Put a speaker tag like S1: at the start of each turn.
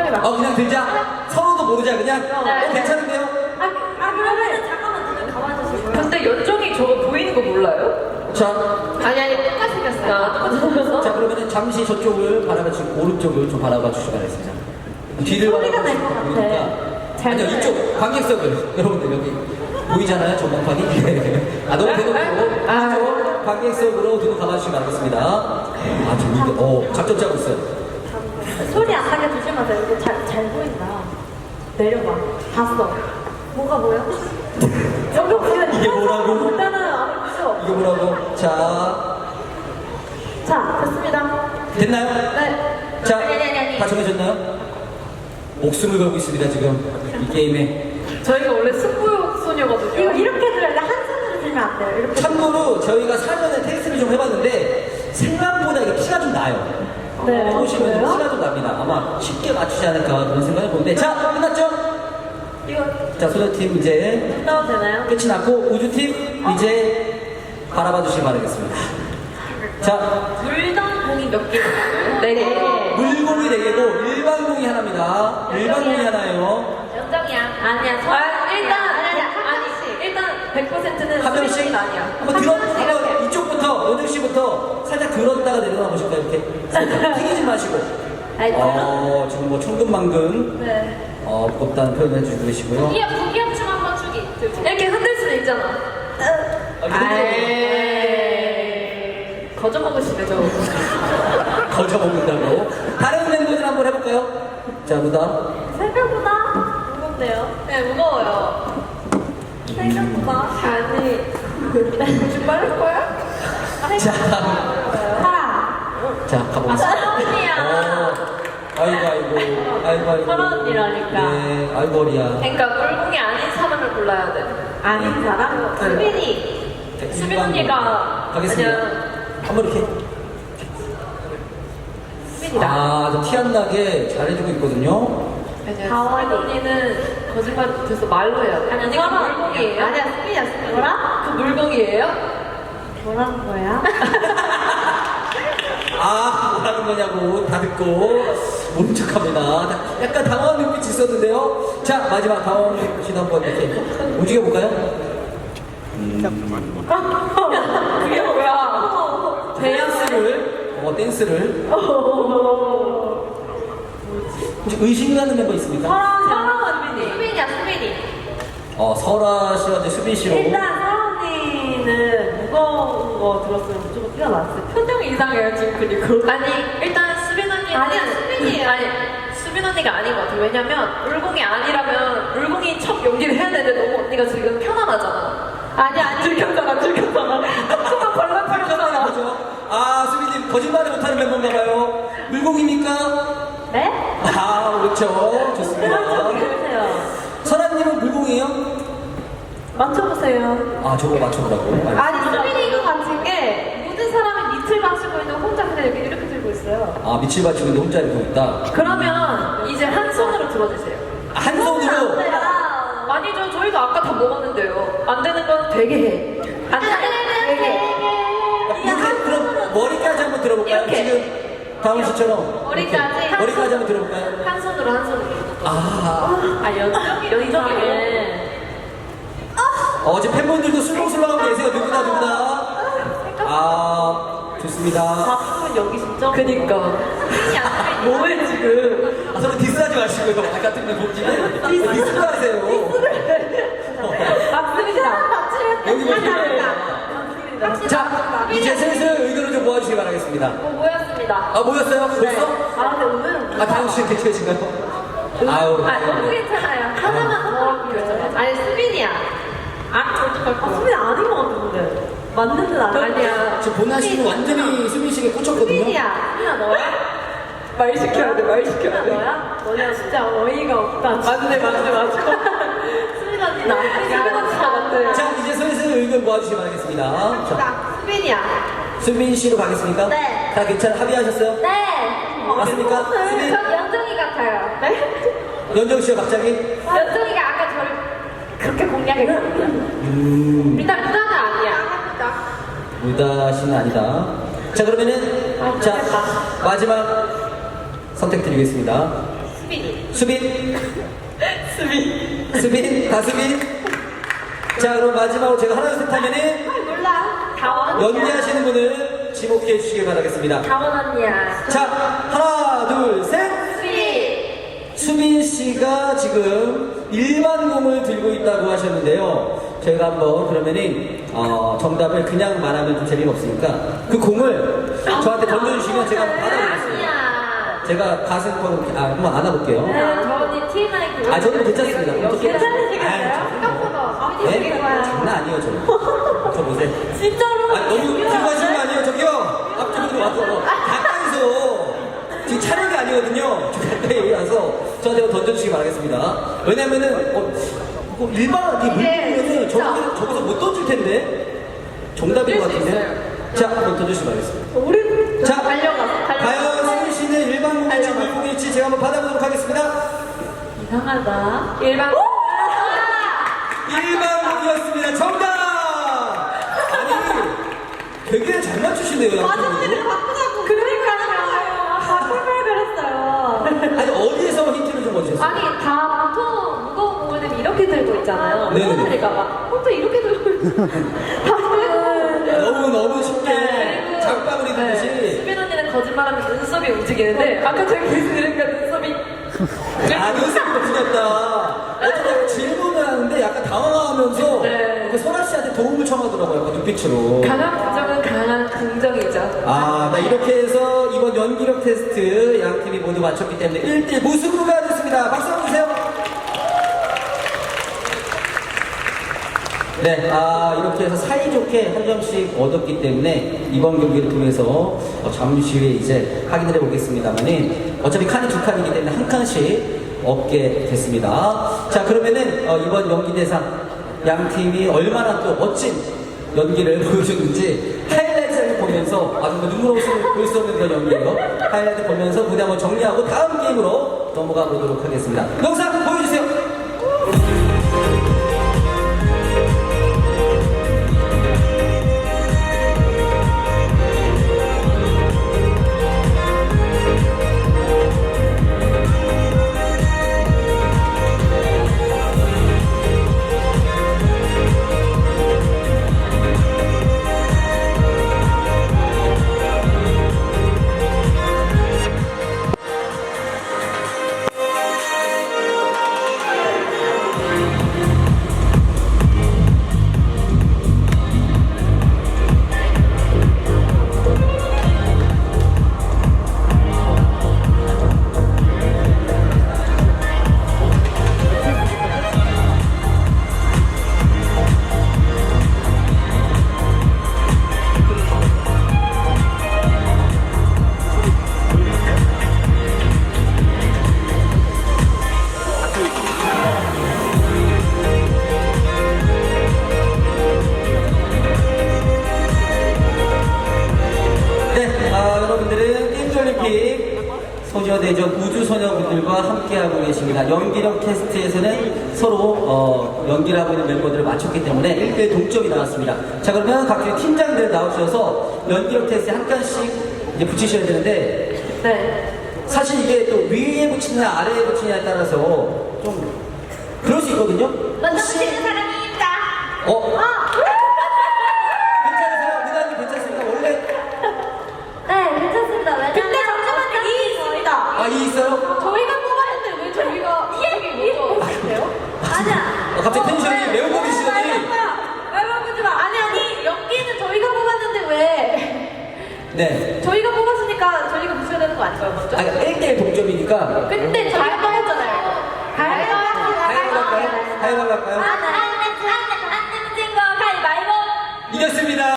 S1: 해봐.
S2: 그냥 들자. 서로도 모르자 그냥.
S1: 네.
S2: 괜찮은데요?
S1: 그러면은 잠깐만 눈을 감아주시고요.
S3: 근데 연정이 저거 보이는 거 몰라요?
S2: 자,
S3: 아니 똑같이 생겼어요. 똑같이 생겼어?
S2: 자 그러면은 잠시 저쪽을 바라봐 주시고 오른쪽을 좀 바라봐 주시기 바라겠습니다. 뒤를
S1: 소리가
S2: 바라봐
S1: 날것 같아.
S2: 보이니까.
S1: 잘
S2: 아니요
S1: 들려요.
S2: 이쪽 관객석을 여러분들 여기 보이잖아요 전광판이. 너무 대놓고 이쪽 관객석으로 눈을 감아주시기 바라겠습니다. 재밌게. 작전 짜고 있어요.
S1: 소리 안 나게 조심하세요. 이거 잘 보인다. 내려봐. 봤어. 뭐가 뭐야? 여기 보면
S2: 이게 뭐라고?
S1: 일단은 아무렇죠.
S2: 이게 뭐라고? 자
S1: 됐습니다.
S2: 됐나요?
S1: 네.
S2: 자,
S1: 아니.
S2: 다 정해졌나요? 목숨을 걸고 있습니다 지금 이 게임에.
S3: 저희가 원래 승부욕 소녀거든요.
S1: 이거 이렇게 들어야 돼. 한 손으로 들면 안 돼요. 이렇게.
S2: 참고로 저희가 사전에 테스트를 좀 해봤는데 생각보다 이게 피가 좀 나요.
S1: 네.
S2: 해보시면
S1: 그래요?
S2: 피가 좀 납니다. 아마 쉽게 맞추지 않을까 그런 생각을 해보는데. 자, 끝났죠?
S1: 이거
S2: 자, 소녀팀 이제
S1: 나와도 되나요?
S2: 끝이 났고 우주팀 이제 바라봐 주시기 바라겠습니다. 자,
S3: 물던 공이 몇 개예요? 네 개.
S2: 물공이 4개고 일반 공이 하나입니다. 일반 공이 하나예요.
S3: 연정이야.
S1: 아니야.
S3: 일단 100%는
S2: 한 명씩
S3: 수빈이는 아니야.
S2: 한번 이쪽부터 연정 씨부터 살짝 들었다가 내려가 보실까요? 이렇게 살짝 튀기지 마시고. 지금 뭐 천근만근
S1: 네.
S2: 무겁다는 표현을 해주고 계시고요.
S3: 부기압춤 한번 추기. 이렇게 흔들 수는 있잖아. 거저 먹으시네 저.
S2: 거저 먹는다고. 다른 멤버들 한번 해볼까요? 자, 무다.
S1: 생각보다 무겁네요.
S3: 네 무거워요.
S1: 생각보다.
S3: 아니 지금 빠를 거야?
S2: 자,
S1: 하라.
S2: 자, 가보겠습니다.
S3: 언니야.
S2: 아이고.
S1: 서로 언니라니까.
S2: 네, 아이고리야.
S3: 그러니까 물공이 아닌 사람을 골라야 돼.
S1: 아닌 사람? 수빈이.
S3: 수빈 언니가
S2: 가겠습니다.
S3: 그냥
S2: 한번 이렇게.
S3: 수빈이다.
S2: 티 안 나게 잘해주고 있거든요.
S3: 다원 언니는 거짓말 못해서 말로 해야 돼.
S1: 아니야,
S3: 그
S1: 서로
S3: 물공이에요?
S1: 아니야, 수빈이야, 수빈. 뭐라?
S3: 그 물공이에요?
S1: 뭐라는 거야?
S2: 뭐라는 거냐고 다 듣고 모른 척합니다. 약간 당황한 눈빛이 있었는데요. 자, 마지막 당황한 눈빛 한번 이렇게 움직여볼까요?
S3: 그게 뭐야?
S2: 댄스를. 혹시 의심가는 멤버 있습니까?
S1: 서로 언니.
S3: 수빈이야 수빈이.
S2: 설아 씨와 이제 수빈 씨로.
S1: 일단 서로 언니는 무거운 거 들었으면 무조건 티가 났어요.
S3: 표정이 이상해요 지금 그리고. 아니 일단 수빈 언니는
S1: 아니야, 수빈이에요.
S3: 아니 수빈 언니가 아닌 것 같아. 왜냐면 물공이 아니라면 물공이 첫 연기를 해야 되는데 너무 언니가 지금 편안하잖아.
S1: 아니.
S3: 들켰잖아. 손가 벌렁벌렁잖아.
S2: 그죠? 수빈님 거짓말을 못하는 멤버인가 봐요. 물공입니까?
S1: 네?
S2: 그렇죠. 좋습니다.
S1: 맞춰보세요.
S2: 설아님은 물공이에요?
S1: 맞춰보세요.
S2: 저거 맞춰보라고.
S1: 아니, 수빈이 같은 게 모든 사람이 밑을 맞추고 있는 혼자 그냥 이렇게 들고 있어요.
S2: 밑을 받치고 있는데 혼자 이렇게 있다.
S3: 그러면 이제 한 손으로 들어주세요.
S2: 한 손으로.
S3: 아니죠. 저희도 아까 다 먹었는데요. 안 되는 건 되게 해. 안 되는
S2: 그럼 머리까지 한번 들어볼까요?
S3: 이렇게.
S2: 지금 다운 씨처럼.
S3: 머리까지.
S2: 이렇게. 머리까지 한번 들어볼까요?
S3: 한 손으로.
S1: 연정이는
S2: 어제 팬분들도 술렁술렁하고 계세요. 누구나. 좋습니다.
S1: 박수는 여기 진짜.
S3: 그니까. 뭐해 지금.
S2: 서로 디스하지 마시고요. 같은 멤버끼리. 디스를 하세요.
S1: 박수입니다.
S2: 여기 보시면. 자, 이제 슬슬 의견을 좀 모아주시기 바라겠습니다.
S3: 모였습니다.
S2: 모였어요? 벌써?
S1: 근데 오늘은.
S2: 다음 씨 괜찮으신가요?
S3: 너무 괜찮아요. 하나만 더 결정해. 아니 수빈이야. 어떡할 거야?
S1: 수빈이 아닌 것 같은데. 맞는 듯
S3: 아니야.
S2: 지금 보나 씨는 완전히 수빈 씨에게 꽂혔거든요.
S1: 수빈이야. 수빈아 너야?
S3: 말 시켜야 돼.
S1: 수빈아 너야? 너네 진짜 어이가 없다.
S3: 맞네.
S1: 수빈 언니 나.
S3: 수빈 언니가 맞네.
S2: 자, 이제 슬슬 의견 모아주시기 바라겠습니다. 자,
S1: 수빈이야.
S2: 수빈 씨로 가겠습니까?
S1: 네.
S2: 다 합의하셨어요?
S1: 네.
S2: 맞습니까? 수빈?
S3: 전 연정이 같아요. 네?
S2: 연정 씨가 갑자기?
S3: 연정이가 아까 저를 그렇게 공략했거든요. 일단 무다는 아니야.
S2: 무다 씨는 아니다. 자, 그러면은, 마지막 선택 드리겠습니다.
S3: 수빈이.
S2: 수빈? 수빈? 다수빈? 자, 그럼 마지막으로 제가 하나, 둘, 셋 하면은
S3: 몰라. 다원 언니야.
S2: 연기하시는 분을 지목해 주시길 바라겠습니다.
S3: 다원 언니야.
S2: 자, 하나, 둘, 셋!
S3: 수빈.
S2: 수빈 씨가 지금 일반 공을 들고 있다고 하셨는데요. 저희가 한번 그러면은 정답을 그냥 말하면 좀 재미가 없으니까 그 공을 저한테 던져주시면 제가 한번 받아보겠습니다.
S3: 아니야.
S2: 제가 가슴으로 한번 안아볼게요.
S3: 네, 저 언니 TMI.
S2: 아, 저는 괜찮습니다. 어떻게
S3: 괜찮으시겠어요? 생각보다.
S2: 네? 장난 아니에요, 저 보세요.
S1: 진짜로?
S2: 아, 너무 들고 가시는 거 아니에요? 저기요! 앞쪽으로 와서 가까이서 지금 촬영이 아니거든요. 가까이 와서 저한테 한번 던져주시기 바라겠습니다. 왜냐면은 일반 물고기는 저기서 못 던질 텐데 정답인 것 같은데. 자, 한번 던져주시기 바라겠습니다.
S1: 우리
S2: 자,
S3: 달려가서.
S2: 과연 수빈 씨는 일반 공일지 물고기일지 제가 한번 받아보도록 하겠습니다.
S1: 이상하다.
S3: 일반.
S2: 일반 공이었습니다. 정답! 아니, 되게 잘 맞추시네요.
S1: 마지막에 바꾸자고. 그러니까요. 바꿀 걸 그랬어요.
S2: 아니, 어디에서 힌트를 좀 얻으셨어요?
S3: 아니 다 보통 무거운 공을 들면 이렇게 들고 있잖아요.
S2: 네네네.
S3: 떨어뜨릴까봐. 혼자 이렇게 들고 있어.
S2: 너무 쉽게
S3: 네.
S2: 장바구니 들듯이.
S3: 네. 수빈 언니는 거짓말하면 눈썹이 움직이는데 아까 저기 들으니까 눈썹이.
S2: 아, 눈썹이 움직였다. 어쩌다 질문을 하는데 약간 당황하면서
S3: 네.
S2: 설아 씨한테 도움을 청하더라고요. 약간 눈빛으로.
S3: 강한 부정은 강한 긍정이죠.
S2: 아, 이렇게 해서 이번 연기력 테스트 양 팀이 모두 맞췄기 때문에 1대 무승부가 됐습니다. 박수 한번 주세요. 네, 이렇게 해서 사이좋게 한 점씩 얻었기 때문에 이번 경기를 통해서 잠시 후에 이제 확인을 해보겠습니다만은 어차피 칸이 두 칸이기 때문에 한 칸씩 얻게 됐습니다. 자, 그러면은 이번 연기대상 양 팀이 얼마나 또 멋진 연기를 보여줬는지 하이라이트를 보면서 정말 눈물 없이 볼 수 없는 그런 연기예요. 하이라이트 보면서 무대 한번 정리하고 다음 게임으로 넘어가 보도록 하겠습니다. 영상 보여주세요. 여러분들은 게임올림픽 소녀대전 우주소녀분들과 함께하고 계십니다. 연기력 테스트에서는 서로 연기를 하고 있는 멤버들을 맞췄기 때문에 1대1 동점이 나왔습니다. 자, 그러면 각종 팀장들 나오셔서 연기력 테스트에 한 칸씩 이제 붙이셔야 되는데
S3: 네.
S2: 사실 이게 또 위에 붙이느냐 아래에 붙이느냐에 따라서 좀 그럴 수 있거든요.
S3: 먼저 붙이는 사람입니다.
S2: 괜찮으세요? 누나님 괜찮습니까? 원래
S1: 네, 괜찮습니다. 왜냐면
S3: 근데 잠시만요.
S1: 이 있습니다.
S2: 이 있어요?
S3: 저희가 뽑았는데 왜 저희가 이게 뭐죠? 아세요?
S1: 아니야.
S2: 갑자기 텐션이 매우 높으시더니
S1: 왜 바꾸지 마.
S3: 아니 연기는 저희가 뽑았는데 왜?
S2: 네.
S3: 저희가 뽑았으니까 저희가 붙여야 되는 거 아닌가요 먼저?
S2: 아니, 1대1 동점이니까
S3: 근데 저희가